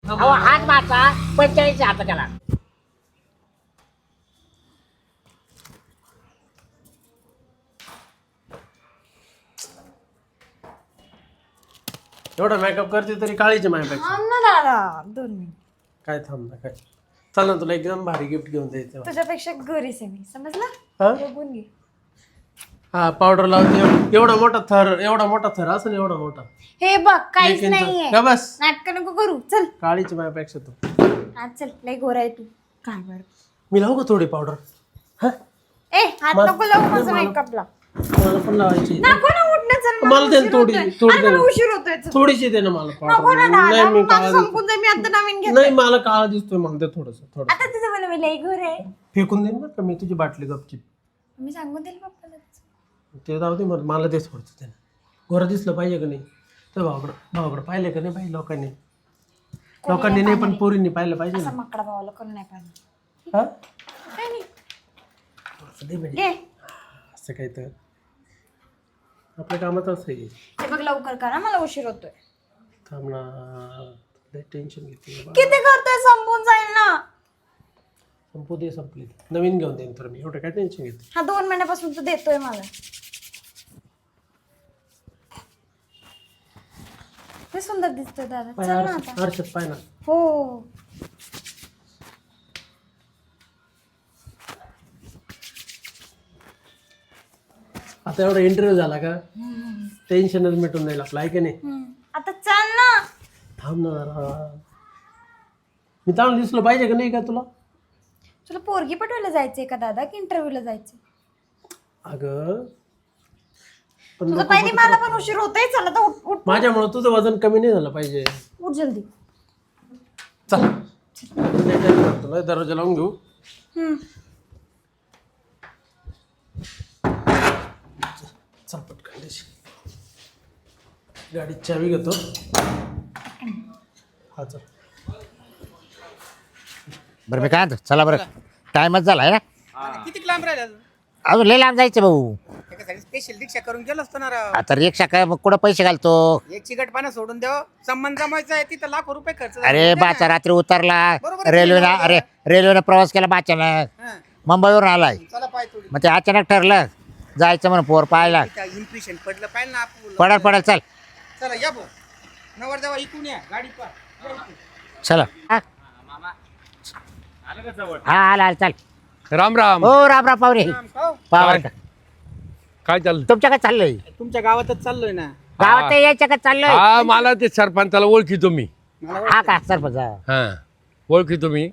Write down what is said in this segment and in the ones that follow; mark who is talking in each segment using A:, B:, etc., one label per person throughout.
A: अहो हात मारता 45 आता त्याला.
B: एवढा मेकअप करते तरी काळीची माझ्यापेक्षा.
C: थांब ना दादा 2 मिनिट.
B: काय थांब ना काय. चल ना तुला एकदम भारी गिफ्ट घेऊन द्यायचं.
C: तुझ्यापेक्षा गरीस आहे मी समजला.
B: हा?
C: बघून घे.
B: हा पावडर लावते एवढा मोठा थर असं एवढा मोठा.
C: हे बघ काहीच
B: 1 इंच.
C: नाहीये.
B: का बस
C: नाटक नको करू चल.
B: काळीची माझ्यापेक्षा तू.
C: आज चल लय गोरा आहे तू. काय बरं
B: मी लावू का थोडी पावडर. हा
C: ए हात नको लावू माझा मेकअपला.
B: मला पण लावायची.
C: नको ना उठणं चल.
B: मला दे ना थोडी थोडी दे ना.
C: उशीर होतोय चल.
B: थोडीशी दे ना मला
C: नको
B: पावडर.
C: ना
B: नाही
C: दादा
B: मी
C: माझं
B: काळा
C: संपून जाईल मी आता नवीन घेत.
B: नाही मला काळा दिसतोय मला दे थोडस थोडं.
C: आता तुझं मला मी लय गोरा आहे.
B: फेकून देईन बरं का मी तुझी बाटली गपची.
C: मी सांगून देईल पप्पाला.
B: ते जाऊ दे मला दे थोडंसं त्यानं. गोरं दिसलं पाहिजे का नाही. तर भावाकडं पाहिलं का नाही पाहिजे लोकांनी नाही पण पोरींनी पाहिलं पाहिजे
C: असा
B: ना.
C: माकडा भावाला करून नाही पाहिजे.
B: हा
C: काय नाही
B: असं दे म्हणजे
C: घे.
B: असं काय तर आपल्या कामात असं आहे.
C: हे बघ लवकर करा मला उशीर होतोय.
B: थांब ना लय टेन्शन घेते बाबा.
C: किती करतोय संपून जाईल ना.
B: संपू दे संपली नवीन घेऊन देईन तर मी एवढं काय टेन्शन घेते.
C: हा 2 महिन्यापासून तू देतोय मला. ते सुंदर दिसतोय दादा
B: पाय
C: चल ना आता.
B: हर्षद पाय ना.
C: हो
B: आता एवढा इंटरव्ह्यू झाला का टेन्शनच मिटून जाईल आपलं आहे की नाही.
C: आता चल ना.
B: थांब ना जरा. मी चांगलं दिसलं पाहिजे का नाही का तुला.
C: तुला पोरगी पटवायला जायचंय का दादा की इंटरव्ह्यूला जायचंय.
B: अगं पण
C: तुझं पहिले मला पण उशीर होतोय चल आता उठ उठ
B: माझ्यामुळे तुझं वजन कमी नाही झालं पाहिजे.
C: उठ जल्दी.
B: चल तुला दरवाजा लावून घेऊ. चल पटकन देशी. गाडीत चावी घेतो. हा चल.
A: बरं मी काय म्हणतो चला बरं टाइमच झाला आहे ना.
D: किती लांब राहिला
A: अजून लय लांब जायचं भाऊ.
D: त्याच्यासाठी स्पेशल रिक्षा करून गेलो असतो ना राव.
A: आता रिक्षा काय मग कुठं पैसे घालतो.
D: एक चिकट पानं सोडून द्यावं संबंध जमायचा आहे तिथं लाखो रुपये खर्च झाला.
A: अरे बाचा रात्री उतरला
D: बरोबर आहे.
A: रेल्वेनं. अरे रेल्वेनं प्रवास केला बाच्यानं
D: हा.
A: मुंबईवरून आलाय.
D: चला पाय थोडी
A: मग ते अचानक ठरलं जायचं म्हणून पोर पाहायला.
D: इम्प्रेशन पडलं पाहिजे ना आपण.
A: पडल चल
D: चला या भाऊ नवर देवा इकून या गाडी पा
A: चला. हा आला चल.
E: राम राम.
A: हो राम राम पाहुणे पावर
E: काय चाललं.
A: तुमच्या काय चाललंय.
D: तुमच्या गावातच चाललोय ना.
A: गावात यायच्या का चाललंय.
E: हा मला ते सरपंचाला ओळखीतो मी.
A: हा का सरपंच.
E: हा ओळखीतो मी.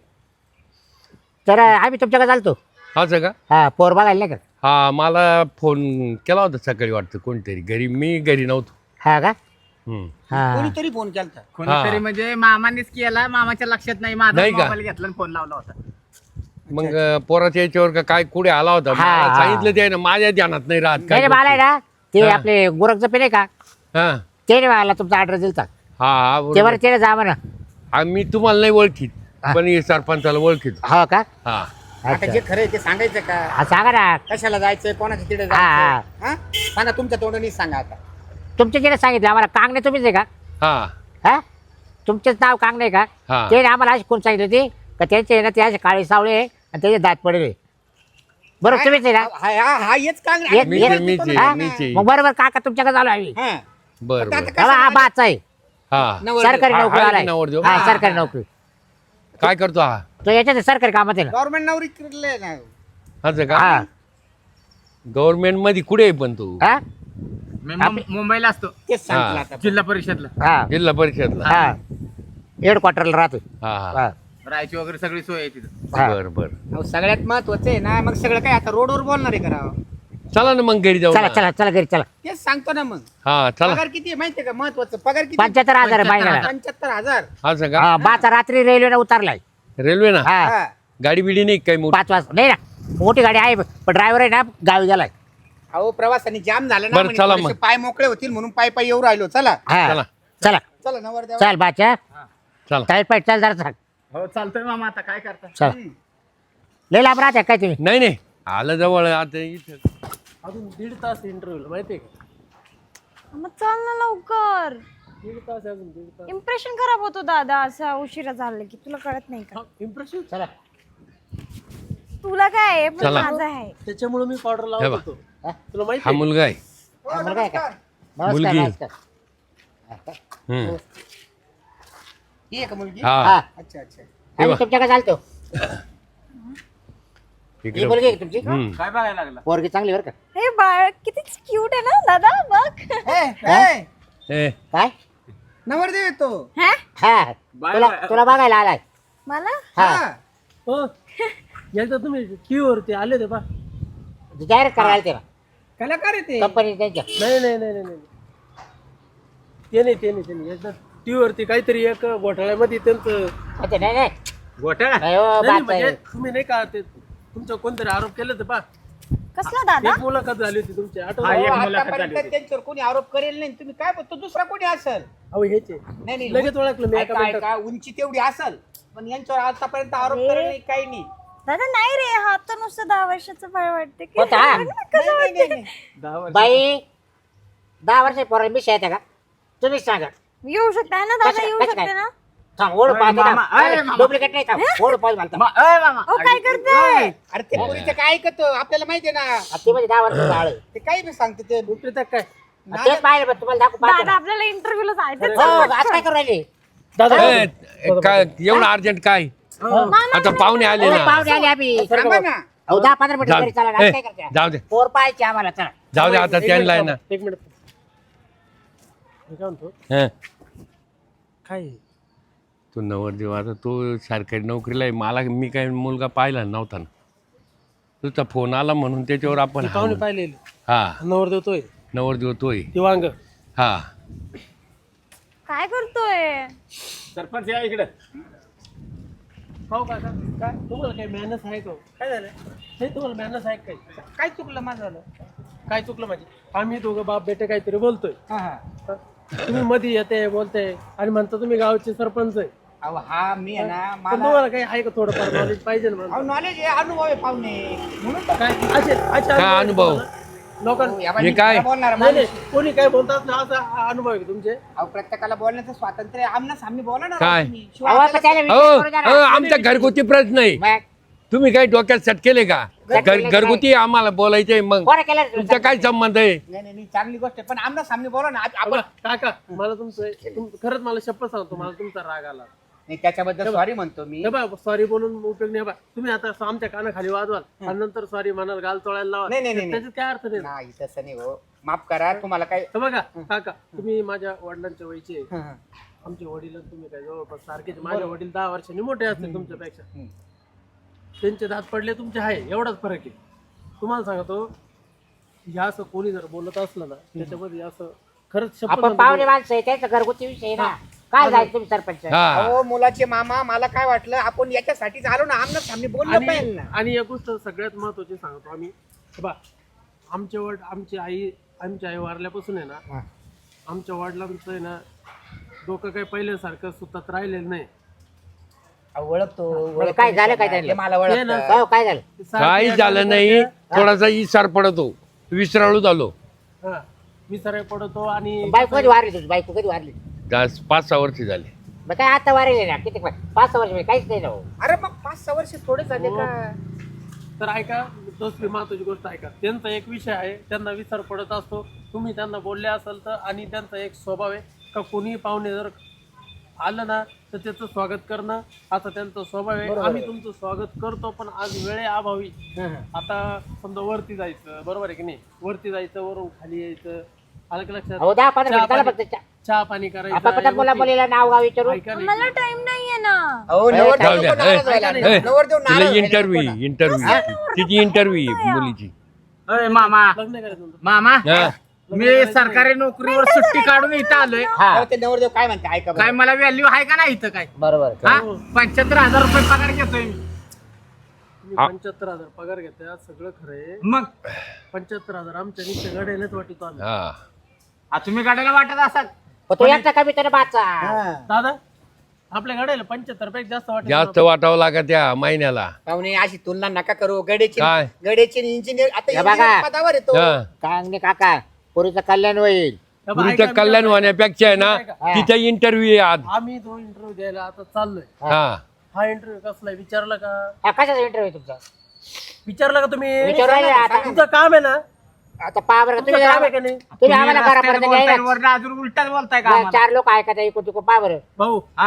A: तर आम्ही तुमच्याकडे चालतो.
E: असं का.
A: हा पोर बघायला नाही का.
E: हा मला फोन केला होता सकाळी वाटतं कोणतरी घरी. मी घरी नव्हतो.
A: हा का.
E: हम्म.
A: हा
D: कोणीतरी फोन केलता.
F: कोणीतरी म्हणजे मामानेच केला मामाच्या लक्षात नाही माझा
E: नाही का?
F: मोबाईल घेतला आणि फोन लावला होता.
E: मग पोराच्या याच्यावर का काय कुठे आला होता.
A: हा,
E: मला
A: हा.
E: सांगितलं ते ना माझ्या ध्यानात नाही राहत
A: नाही
E: काय
A: रे, मला आहे
E: गोष्टी.
A: ना ते
E: हा.
A: आपले गोरखचं पे नाही का
E: हा
A: ते नाही मला तुमचा ऍड्रेस दिलता.
E: हा हा
A: ते
E: बरोबर.
A: बरं ते जा म्हणा.
E: हा, मी तुम्हाला नाही ओळखीत पण हे सरपंचाला ओळखीत.
A: हो का.
E: हा
D: आता
A: अच्छा.
D: जे खरंय ते सांगायचं का.
A: हा सांगा ना.
D: कशाला जायचंय कोणाच्या तिथे
A: हा, हा.
D: जायचं हा सांगा तुमच्या तोंडाने सांगा आता.
A: तुमच्या तिने सांगितलं आम्हाला कांगणे तुम्हीच आहे का.
E: हा
A: हा तुमचंच नाव कांगणे आहे का.
E: हा.
A: ते आम्हाला अशी कोण सांगितलं ते का त्यांचे ना ते असे काळे सावळे आहे आणि त्याचे दात पडले. बरोबर तुम्हीच आहे ना.
D: हा हेच
A: एक-
D: कांगडा.
E: मीच आहे, मीच आहे,
A: हा?
E: मीच आहे.
A: मग बरोबर काका तुमच्याकडे आलो आम्ही.
D: हा
E: बर बर.
A: हा बाच आहे
E: हा
A: सरकारी
E: हा,
A: नोकरी
E: आहे
A: आलाय.
E: नवरदेव.
A: हा सरकारी नोकरी.
E: काय करतो हा.
A: तो याच्यात सरकारी कामात आहे ना.
D: गव्हर्नमेंट नोकरी केलेली ना.
E: असं का.
A: हा
E: गव्हर्नमेंट मध्ये कुठे आहे पण तू.
A: हा
F: मी मुंबईला असतो
D: तेच सांगितलं
E: हा.
D: आता.
F: जिल्हा परिषदला.
A: हा
E: जिल्हा परिषदला.
A: हा हेड क्वार्टरला राहतो.
E: हा हा
A: हा
F: राहायची वगैरे सगळी सोय आहे तिथं.
A: हा.
E: बर बर.
D: अहो, सगळ्यात महत्वाचं आहे ना मग सगळं काय आता रोडवर बोलणार आहे करा.
E: चला ना मग घरी जाऊ
A: चला
E: ना.
A: चला चला घरी चला.
D: तेच सांगतो ना मग.
E: हा चला.
D: पगार किती आहे माहितीये का महत्वाचं पगार किती.
A: 75,000 आहे महिन्याला.
D: 75,000.
E: असं का.
A: हा बाचा रात्री रेल्वेने उतरलाय.
E: रेल्वे ना.
A: हा
D: हा.
E: गाडी बिडी नाही काय मोठी.
A: 5 वाजता नाही ना मोठी गाडी आहे पण ड्रायव्हर आहे ना गावी गेलाय.
D: अहो प्रवासाने जाम झालं ना
E: बरं,
D: म्हणे,
E: चला
D: थोडेसे
E: मग.
D: पाय मोकळे होतील म्हणून पाय पाय येऊ राहिलो. चला
A: हा
E: चला.
A: चला
D: चला नवर देवा.
A: चल बाच्या
E: चला.
A: टाईट पाईट चल जरा सांग.
F: हो चालतोय मामा आता काय करता.
A: चल लय लांब राहते काय तुम्ही.
E: नाही नाही आलं जवळ आता इथं.
B: अजून 1.5 तास इंटरव्ह्यू माहितीये का.
C: मग चल ना लवकर.
B: दीड तास आहे अजून, दीड तास.
C: इम्प्रेशन खराब होतो दादा असं उशिरा झालं की, तुला कळत नाही का?
B: इम्प्रेशन
A: चला
C: तुला काय आहे पण
E: चला.
C: माझं आहे.
B: त्याच्यामुळे मी पावडर
E: हे
B: लावत
E: बा.
B: होतो.
A: हा?
B: तुला माहिती
E: हा मुलगा आहे
A: हा, मुलगा आहे का?
E: मुलगी.
A: नमस्कार नमस्कार.
E: हम्म.
D: ही आहे का मुलगी?
E: हा
A: हा
D: अच्छा अच्छा.
E: हे बा.
A: आणि तुमच्याकडे चालतो ही
E: इकडे
A: मुलगी आहे का तुमची
F: काय बघायला लागला
A: पोरगी चांगली बरं का
C: हे बाळ किती क्यूट आहे ना दादा बघ.
E: ए,
A: काय
D: नवरदेव येतो.
C: हा?
A: हा तुला तुला बघायला आलाय
C: मला
A: हा
B: हो एकदा तुम्ही टीव्ही वरती आले होते पा.
A: जाहिरात करायला ते
D: कलाकार येते.
A: कंपनी त्यांच्या
B: नाही नाही नाही नाही नाही. ते नाही एकदा टीव्ही वरती काहीतरी एक घोटाळ्यामध्ये त्यांचं
A: अच्छा, नाही नाही
F: घोटाळा
A: नाही, हो,
B: नाही,
A: बात
B: म्हणजे
A: आहे.
B: तुम्ही नाही का ते तुमचं कोणतरी आरोप केले होते पा.
C: कसला दादा?
B: एक मुलाखत झाली होती तुमची आठवण
F: हा,
B: आहे?
F: एक
D: हो,
F: मुलाखत झाली
D: आतापर्यंत
F: होती.
D: त्यांच्यावर कोणी आरोप करेल नाही. तुम्ही काय बोलतो दुसरा कोणी असेल?
B: अहो हेचे
D: नाही नाही
B: लगेच ओळखलं मी एका
D: ऐका,
B: मिनिटात.
D: ऐका, उंची तेवढी असेल पण यांच्यावर आतापर्यंत आरोप करेल नाही काही नाही.
C: दादा नाही रे, हा तर नुसतं 10 वर्षाचं बाळ वाटते की.
A: होता?
C: बघ ना कसं
D: नाही, नाही,
C: वाटते.
D: नाही.
B: 10 वर्ष
A: बाई 10 वर्ष पोराला मी शाळेत आहे का तुम्हीच सांगा
C: येऊ शकते है ना दादा,
A: कसं-
C: येऊ
A: कसं
C: शकते
A: काय?
C: ना?
A: थांब ओढ पाहते
F: मामा, अरे मामा.
A: डुप्लिकेट नाही थांब ओढ पाहिजे मला
F: मा- अय मामा
C: ओ काय करते?
D: अरे ते पोरीचं काय ऐकतो आपल्याला माहितीये ना.
A: ती म्हणजे 10 वर्ष बाळ आहे.
D: ते काही बी सांगते ते.
B: उपरीत काय
A: तेच पाहिलं पण तुम्हाला दाखवू पाहते
C: दादा
A: ना.
C: आपल्याला इंटरव्ह्यूला जायचं.
A: हो आज काय करू राहिले
B: दादा
E: ए, काय एवढं अर्जंट काय आता पाहुणे आले
A: एवढे
E: ना
A: पाहुणे आले आम्ही
D: थांबा ना.
A: अहो 10-15 मिनिटं घरी चला
E: जाऊ
A: आज काय करते
E: जाऊ दे
A: पोर पाहायचे आम्हाला चला
E: जाऊ दे आता त्यांना आहे ना
B: एक मिनिट मी काय म्हणतो
E: हं.
B: काय
E: तो नवरदेव आता तो सरकारी नोकरीला आहे मला मी काय मुलगा पाहिला नव्हता ना तुझा फोन आला म्हणून त्याच्यावर आपण हा
B: पाहुणे
E: म्हणू.
B: पाहिलेले
E: हा
B: नवर देतोय
E: नवरदेव तोय
B: ती वांग
E: हा
C: काय करतोय?
F: सरपंच या इकडे
B: हो का काय तुम्हाला काही मॅनस आहे का हो? काय झालं नाही तुम्हाला मॅनस आहे का काही
D: काय चुकलं माझं झालं?
B: काय चुकलं माझी आम्ही दोघं बाप बेटे काहीतरी बोलतोय
D: हा, हा.
B: हं? तुम्ही मध्ये येते बोलते आणि म्हणता तुम्ही गावचे सरपंच आहे
D: अहो हा मी आहे ना
B: पण
D: मला
B: तुम्हाला काही आहे का थोडंफार नॉलेज पाहिजे ना मला?
D: नॉलेज आहे अनुभव आहे पाहुणे म्हणून तर
B: काय असे
E: काय अनुभव?
B: लोकांना
D: या बाई,
E: हे
D: मी
E: काय?
D: खरं बोलणार
B: नाही
D: माणूस.
B: नाही कोणी काय बोलतात ना असा अनुभव आहे का तुमचे
D: अहो प्रत्येकाला बोलण्याचं स्वातंत्र्य आहे. आमना सामने बोला ना
E: काय?
D: राव तुम्ही. शिवाय
A: अहो पण
D: आपल्याला-
A: त्याला
E: हो
A: विचार करू द्या
E: हो
A: ना.
E: आमचा घरगुती प्रश्न आहे
A: मग
E: तुम्ही काही डोक्यात सेट केले का घरगुती आम्हाला बोलायचंय मग
A: कोणा केलं
E: तुमचा काय संबंध आहे
D: नाही नाही नाही, चांगली गोष्ट आहे पण आमना सामने बोला ना आपण
B: बघा, काका मला खरंच मला शपथ सांगतो मला तुमचा राग आला
D: नाही त्याच्याबद्दल सॉरी म्हणतो मी.
B: हे बा सॉरी बोलून उपयोग नाही बा तुम्ही आता आमच्या कानाखाली वाजवाल आणि नंतर सॉरी म्हणाल गाल तोळायला लावा
D: नाही, नाही, नाही,
B: त्याच्यात काय अर्थ नाही ना.
D: नाही तसं नाही हो माफ करा तुम्हाला काय
B: हे बघा काका तुम्ही माझ्या वडिलांच्या वयचे आहे.
D: हं, हं.
B: आमचे वडील आणि तुम्ही काय जवळपास सारखेच माझे वडील 10 वर्षांनी मोठे असतील तुमच्यापेक्षा
D: हं.
B: त्यांचे दात पडले तुमचे आहे एवढाच फरक आहे तुम्हाला सांगतो या असं कोणी जर बोलत असलं ना त्याच्यामध्ये असं खरंच शपथ
A: आपण
B: सांगतो,
A: पाहुणे माणसं आहे त्यांचा घरगुती विषय आहे ना काय जायचं तुम्ही सरपंच
E: हा
D: अहो मुलाचे मामा मला काय वाटलं आपण याच्यासाठी झालो ना आमना सामने बोललं पाहिजे ना.
B: आणि एक गोष्ट सगळ्यात महत्वाची सांगतो आम्ही हे बा आमची आई वारल्यापासून आहे ना आमच्या वडिलांचं आहे ना डोकं काही पहिल्यासारखं सुतात राहिलेलं नाही
D: अहो, ओळखतो
A: म्हणजे काय झालं काय त्यांना?
D: ते मला
B: ते ना.
D: ओळखतं.
A: हो काय झालं
E: काही झालं नाही थोडासा इसार पडतो विसराळू झालो
B: हा विसराय पडतो आणि
A: बायको कधी वारली तुझी बायको कधी वारली
E: 5-6 वर्ष झाले
A: मग काय आता वारले ना किती 5-6 वर्ष म्हणजे काहीच नाही ना हो.
D: अरे मग 5-6 वर्ष थोडे झाले
B: हो.
D: का?
B: तर ऐका दुसरी महत्वाची गोष्ट ऐका त्यांचा एक विषय आहे त्यांना विसर पडत असतो तुम्ही त्यांना बोलले असाल तर आणि त्यांचा एक स्वभाव आहे का कोणी पाहुणे जर आलं ना तर त्याचं स्वागत करणं असा त्यांचा स्वभाव आहे आम्ही तुमचं स्वागत करतो पण आज वेळेअभावी आता समजा वरती जायचं बरोबर आहे की नाही वरती जायचं वरून खाली यायचं आलं की लक्षात
A: हो 10-15 मिनिटं चला फक्त
B: चहा पाणी
A: आपण पटकन
B: करायचं
A: मुला मुलीला नाव गाव विचारू
B: ऐका नाही.
C: मला टाइम नाहीये ना.
D: अहो
E: जाऊ
D: नवरदेव
E: द्या.
D: नको नाराज व्हायला.
B: ए,
D: नवरदेव
E: तिला
D: नाराज व्हायला
E: इंटरव्ह्यू
D: नको ना.
E: इंटरव्ह्यू तिची इंटरव्ह्यू मुलीची
F: अय मामा
B: लग्न करायचं तुमचं.
F: मामा
E: हा.
F: मी सरकारी नोकरीवर सुट्टी काढून इथं आलोय
A: हा
D: अहो, ते नवरदेव काय म्हणते ऐका
F: काय
D: बरं.
F: मला व्हॅल्यू आहे का नाही इथं काय
A: बरोबर
F: हा 75,000 रुपये पगार घेतोय मी
B: तुम्ही 75,000 पगार घेता सगळं खरं आहे
F: मग
B: 75,000 आमच्या निश्चय गड्यालाच वाटतो आम्ही
E: हा
F: तुम्ही गाड्याला वाटत असाल
A: पण तो एकटा कमी तर बाचा
D: हा.
B: दादा आपल्या गाड्याला 75 पेक्षा जास्त वाटत
E: जास्त वाटावं लागत त्या महिन्याला
D: पाहुणे अशी तुलना नका करू गडेचे
E: काय?
D: इंजिनियर आता
A: हे बघा.
D: engineer पदावर येतो
E: हा.
A: काय नाही काका पोरीचं कल्याण होईल
E: पुरीचं
B: ऐका, मी
E: कल्याण
B: काय
E: होण्यापेक्षा आहे ना
B: ऐका.
E: तिचा इंटरव्ह्यू आहे आज.
B: आम्ही तो इंटरव्ह्यू द्यायला आता चाललोय.
E: हा
B: हा इंटरव्ह्यू कसला आहे विचारला का?
A: कशाचा इंटरव्ह्यू तुमचा
B: विचारला का तुम्ही?
A: विचारू राहिले आता.
B: तुमचं काम आहे ना?
A: आता पहा बरं
B: तुमचं काम आहे का नाही?
A: तुम्ही आम्हाला घरापर्यंत
F: बोलताय,
A: यायला
F: वरनं अजून उलटाच बोलताय का आम्हाला?
A: 4 लोक ऐकत आहे इकडून तिकडून पहा बरं
B: भाऊ
F: हा.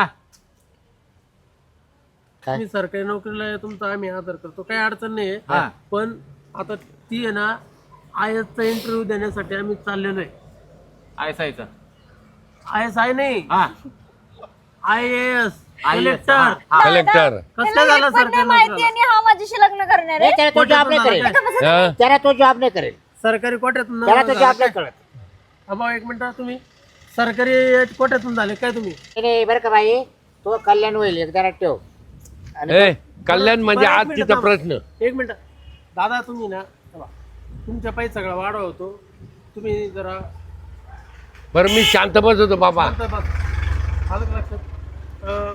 A: काय?
B: मी सरकारी नोकरीला आहे, तुमचा आम्ही आदर करतो, काही अडचण नाही
F: हा.
B: आहे. पण आता ती आहे ना IAS चा इंटरव्ह्यू देण्यासाठी आम्ही चाललेलो आहे.
F: ऐसायचं.
B: ISI नाही,
F: हा.
B: IAS
F: हा.
B: कलेक्टर.
E: कलेक्टर.
B: कसं झालं सरकारी
C: माहिती
B: नोकरीला?
C: आणि हा माझ्याशी लग्न करणार
A: नाही,
C: आहे
A: त्याला तो जॉब नाही करेल
E: हा?
A: त्याला तो जॉब नाही करेल
B: सरकारी कोट्यातून
A: त्याला तो
B: झालं
A: जॉब नाही
B: काय?
A: करत
B: भाऊ एक मिनिट, तुम्ही सरकारी कोट्यातून झाले काय तुम्ही?
A: नाही बरं का बाई तो कल्याण होईल एकदा ठेव आणि
E: ए कल्याण म्हणजे
B: बरं, एक
E: आज
B: मिनिट
E: तिचा
B: थांबा.
E: प्रश्न.
B: एक मिनिट दादा, तुम्ही ना बघा, तुमच्या पायी सगळा वाढवा होतो, तुम्ही जरा
E: बरं मी शांत बस होतो बाबा.
B: आलं का लक्षात?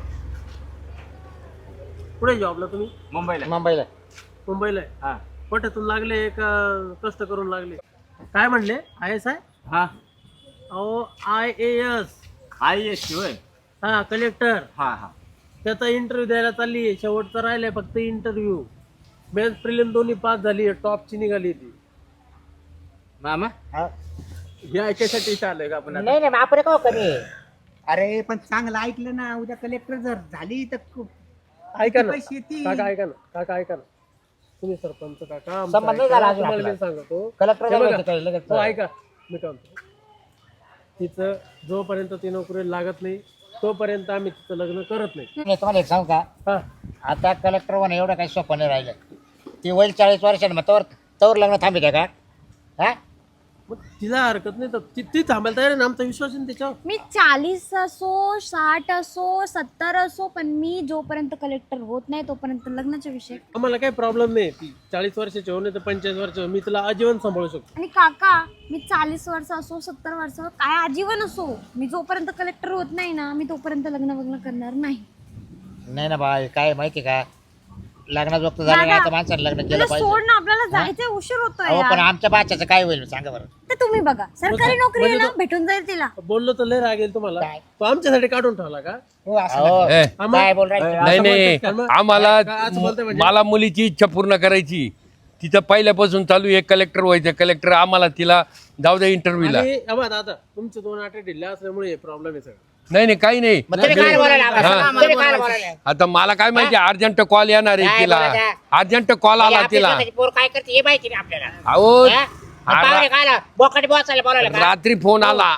B: कुठे जॉबला तुम्ही?
F: मुंबईला.
A: मुंबईला
B: मुंबईला आहे.
F: हा.
B: कोट्यातून लागले का कष्ट करून लागले? काय म्हणले? ISI?
F: हा.
B: अहो IAS.
F: IAS होय.
B: हा कलेक्टर.
F: हा हा.
B: त्याचा इंटरव्ह्यू द्यायला चालली आहे, शेवटचा राहिलाय फक्त इंटरव्ह्यू. मेन्स प्रिलिम दोन्ही पास झाली आहे, टॉपची निघाली ती.
F: मामा
A: हा.
F: हे ऐकायसाठी आलोय का आपण आता?
A: नाही नाही आपण का कमी आहे?
D: अरे पण चांगलं ऐकलं ना, उद्या कलेक्टर जर झाली तर खूप
B: ऐका ना
D: पैसे येतील.
B: काका, ऐका ना काका, ऐका ना, तुम्ही सरपंच काका, आमचं
A: संबंध नाही
B: ऐका.
A: झाला अजून
B: तुम्हाला
A: आपला.
B: मी सांगतो,
A: कलेक्टर
B: हे
A: झालं
B: बघा.
A: होतं काही लगेच.
B: हो ऐका, मी काय म्हणतो, तिचं जोपर्यंत ती नोकरी लागत नाही तोपर्यंत आम्ही तिचं लग्न करत नाही.
A: मी तुम्हाला एक सांगू का
B: हा
A: आता कलेक्टर होणं एवढं काही सोपं नाही राहिलं ती होईल 40 वर्षांनी मग तोवर लग्न थांबित का हा
B: मग तिला हरकत नाही तर ती थांबायला तयार आहे ना, आमचा विश्वास आहे ना त्याच्यावर.
C: मी 40 असो 60 असो 70 असो पण मी जोपर्यंत कलेक्टर होत नाही तोपर्यंत लग्नाचा विषय.
B: आम्हाला काही प्रॉब्लेम नाही, ती 40 वर्षाची हो नाही तर 45 वर्ष मी तिला आजीवन सांभाळू शकतो.
C: आणि काका मी 40 वर्ष असो 70 वर्ष काय आजीवन असो मी जोपर्यंत कलेक्टर होत नाही ना मी तोपर्यंत लग्न करणार नाही.
A: नाही ना बाय काय माहिती का लग्नाचं वक्त झालं ना आता माणसाने लग्न केलं
C: तुला
A: पाहिजे.
C: सोड ना आपल्याला जायचंय उशीर होतोय
A: अहो पण
C: यार.
A: आमच्या बाच्याचं काय होईल सांगा बरं.
C: ते तुम्ही बघा सरकारी नोकरी आहे ना
B: म्हणजे
C: भेटून जाईल तिला.
B: बोललो तर लय रागेल तुम्हाला,
A: काय?
B: तो आमच्यासाठी काढून ठेवला का?
D: हो असं
A: अहो,
E: ए,
A: काय बोल राहिले
E: नाही नाही
B: बोलतात का मग?
E: आम्हाला
B: असं बोलतंय म्हणजे?
E: मला मुलीची इच्छा पूर्ण करायची. तिचं पहिल्यापासून चालू आहे कलेक्टर व्हायचं कलेक्टर. आम्हाला तिला जाऊ द्या इंटरव्ह्यूला.
B: आणि अबा दादा तुमचे 2 आठे ढिल्ले असल्यामुळे हे प्रॉब्लेम आहे सगळं.
E: नाही नाही काही नाही.
A: मग तुम्ही काय बोलायला लागला?
E: हा.
A: तुम्ही काय बोलायला?
E: आता मला काय माहिती अर्जंट कॉल येणार आहे
A: काय
E: तिला.
A: बोलायचं?
E: अर्जंट कॉल आला
A: आपली
E: तिला.
A: स्वतःची पोर काय करते हे माहिती नाही आपल्याला
E: अहो
A: हा? मग पाहुणे काय आला? बोकाटी बसायला बोलावलं का?
E: रात्री फोन आला.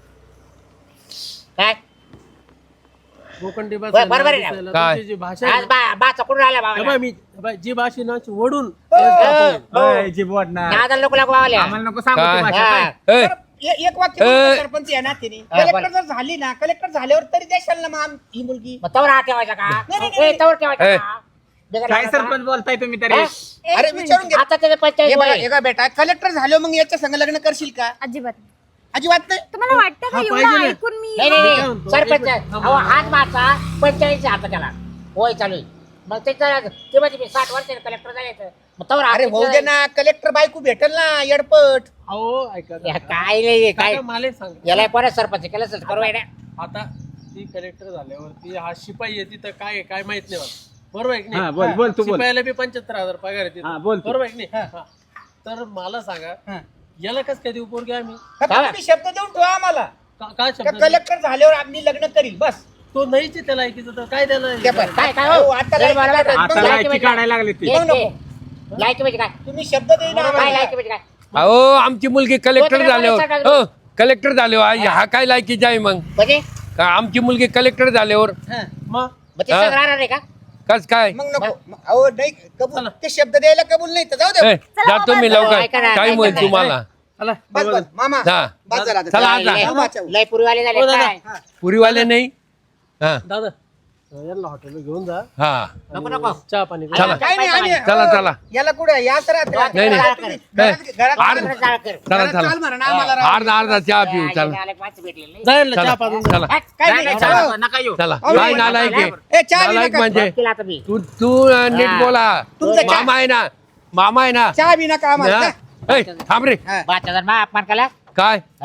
A: काय
B: भोकंडी
A: बरोबर आहे ना?
E: काय?
B: जी भाषा आहे
A: आज बाचा कुठून आला बाबा
B: अबा, मी अबा, जी भाषा ना अशी वडून
F: ओय, जी बोट ना.
A: दादा लोक लागू बावल्या
F: आम्हाला नको सांगू
E: काय?
F: ती भाषा काय.
E: ए,
D: एक वाक्य बोलतो सरपंच आहे ना तिने.
A: हा,
D: कलेक्टर
A: बोला.
D: जर झाली ना, कलेक्टर झाल्यावर तरी देशाल ना मग ही मुलगी.
A: मग तवर हात ठेवायचा का
D: नाही.
A: ए, तवर ठेवायचा
E: ए.
A: का? बिगर
F: काय
A: लागला
F: सरपंच बोलताय तुम्ही तरी?
A: हा?
D: अरे विचारून घे.
A: आता त्याचे 45
D: हे बघा,
A: वय.
D: हे बघा बेटा, कलेक्टर झाल्यावर मग याच्या संग लग्न करशील का?
C: अजिबात.
D: अजिबात नाही.
C: तुम्हाला वाटतं का
B: हा,
C: एवढं
B: पाहिजे ना.
C: ऐकून मी
A: नाही
B: काय
A: नाही
B: म्हणतो?
A: सरपंच
B: एक मिनिट.
A: अहो हात मारचा 45 आता त्याला होय चालू आहे. मग त्याचा ते म्हणजे मी 60 वर्ष कलेक्टर जायचं मग तवर हात
D: अरे भाऊ
A: ठेवायचा.
D: दे ना, कलेक्टर बायको भेटेल ना येडपट.
B: अहो ऐका
A: या काय नाही काय
B: काका, मला एक सांगा,
A: याला कोणा सरपंच केलं असेल करू आहे ना.
B: आता ती कलेक्टर झाल्यावरती हा शिपाई आहे तिथं काय आहे, काय माहित नाही मला, बरोबर आहे की
F: हा,
B: नाही?
F: बोल, बोल, तू बोल.
B: शिपायाला बी 75,000 पगार आहे तिथं.
F: हा, बोल तू.
B: बरोबर आहे की नाही? हा. तर मला सांगा
D: हा.
B: याला कस काय देऊ पोरगी आम्ही?
D: फक्त तुम्ही शब्द देऊन ठेवा आम्हाला
B: काय
D: का
B: शब्द?
D: कलेक्टर झाल्यावर आम्ही लग्न करील बस.
B: तो नाहीच आहे त्याला ऐकीचं तर काय त्याला
D: ते पण.
A: काय काय
D: हो,
A: हो
D: आता
A: जर मला
D: लायकी
A: वाटलं-
F: आता
A: लायकी
F: लायकी
A: म्हणजे
F: काढायला लागली ती.
A: काय?
D: नको.
A: लायकी म्हणजे काय
D: तुम्ही शब्द देईना
A: काय
D: आम्हाला.
A: लायकी म्हणजे काय
E: अहो आमची मुलगी कलेक्टर
A: तो तर
E: झाल्यावर
A: मला
E: हो कलेक्टर झाल्यावर हा काय लायकीची आहे मग?
A: म्हणजे
E: का आमची मुलगी कलेक्टर झाल्यावर
D: हा.
B: मग
A: मग ते
E: हा.
A: सगळं राहणार आहे का
E: कस काय?
D: मग नको. अहो नाही कबूल, ते शब्द द्यायला कबूल नाही तर जाऊ दे.
E: ए, जातो मी
A: ऐका ना,
E: लवकर टाइम होईल
A: ऐका ना.
E: तुम्हाला.
B: चला
D: बस बस मामा
E: हा.
D: बस झाला आता.
E: चला आता.
A: लय-
D: मामाच्या.
A: लय पूर्वीवाले झाले
B: हो, दादा.
A: काय
E: पुरीवाले नाही हा
B: दादा यांना हॉटेलला घेऊन जा,
E: हा
A: नको नको
B: चहा पाणी करा.
E: चला.
D: काय नाही आम्ही
E: चला चला
D: याला कुठं याच
E: नाही, नाही.
D: घरात
A: ए,
D: घरात-
A: आर्ध जाळ कर.
E: चला
D: घरात
E: चला
D: चाल म्हणा ना आम्हाला राव.
E: अर्धा अर्धा चहा पिऊ चला
A: आले माणसं भेटलेले नाही.
B: जा यांना चहा
E: चला
B: पाजून जा.
E: चला
A: हट.
D: काय
F: नाही,
D: नाही,
F: नाही,
D: चला.
F: चला, नका येऊ.
E: चला
D: अहो,
E: काय
D: नाही,
E: नालायक आहे
D: ए, चहा बी
E: नालायक
D: नका.
E: म्हणजे
A: केलं आता मी
E: तू तू नीट
A: हा.
E: बोला
D: तुमचं चहा-
E: मामा आहे ना मामा आहे ना
D: चहा बी नका आम्हाला
E: हा?
D: जा.
E: ए, थांब रे
D: हा.
A: बाच्या जर मा अपमान केला
E: काय
A: हा?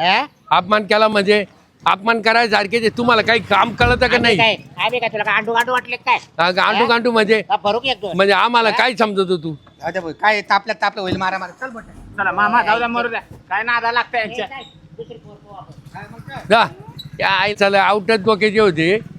E: अपमान केला म्हणजे अपमान करायसारखे ते तुम्हाला काही काम कळतं का नाही?
A: आम्ही काय तुला काय अंडू गांडू वाटले काय
E: गांडू गांडू म्हणजे
A: का भरू की एक दोन
E: म्हणजे आम्हाला काय समजतो तू?
D: जाऊ दे भाऊ, काय तापल्या होईल मारा मारा चल बट
F: चला मामा जाऊ द्या मरू द्या काय नादा लागतं यांच्या
A: दुसरी पोर पाहू आपण.
E: जा या आई चला आउटच डोक्याचे होते